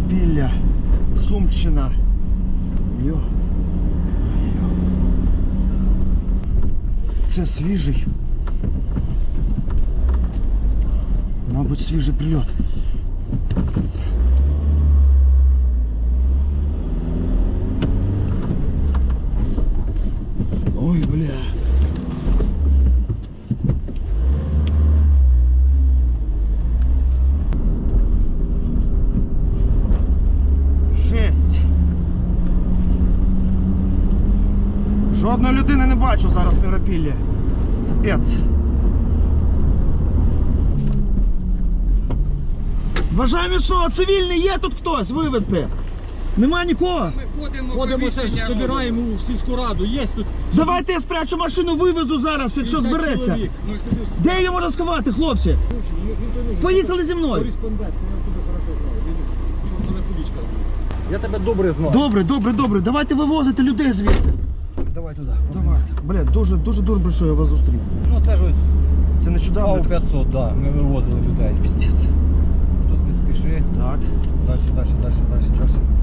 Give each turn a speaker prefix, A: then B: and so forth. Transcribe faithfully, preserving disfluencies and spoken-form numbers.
A: Миропілля, Сумщина. Йо. Це свіжий. Мабуть, свіжий прильот. Ой, бля. Жесть. Жодної людини не бачу зараз в Миропіллі. Капець. Бажаю міцного, цивільний, є тут хтось вивезти? Нема нікого?
B: Ми ходимо,
C: Ходимо, все ж
B: поміщення
C: збираємо у сільську раду. Є тут
A: Давайте я спрячу машину, вивезу зараз, якщо збереться.
C: чоловік. Ну, скажи,
A: Де її можна сховати, хлопці? Поїхали зі мною.
C: Кореспондент, я дуже хорошо знаю. Він, що телефонічка. Я тебе добре знаю.
A: Добре, добре, добре. Давайте вивозити людей звідси.
C: Давай туди.
A: Давайте. Бля, дуже, дуже добре, що я вас зустрів.
C: Ну це ж ось
A: Це нещодавно.
C: Фау п'ятсот, да. Ми вивозили людей.
A: Піздець.
C: Тут не спіши.
A: Так.
C: Далі, далі, далі, далі, далі.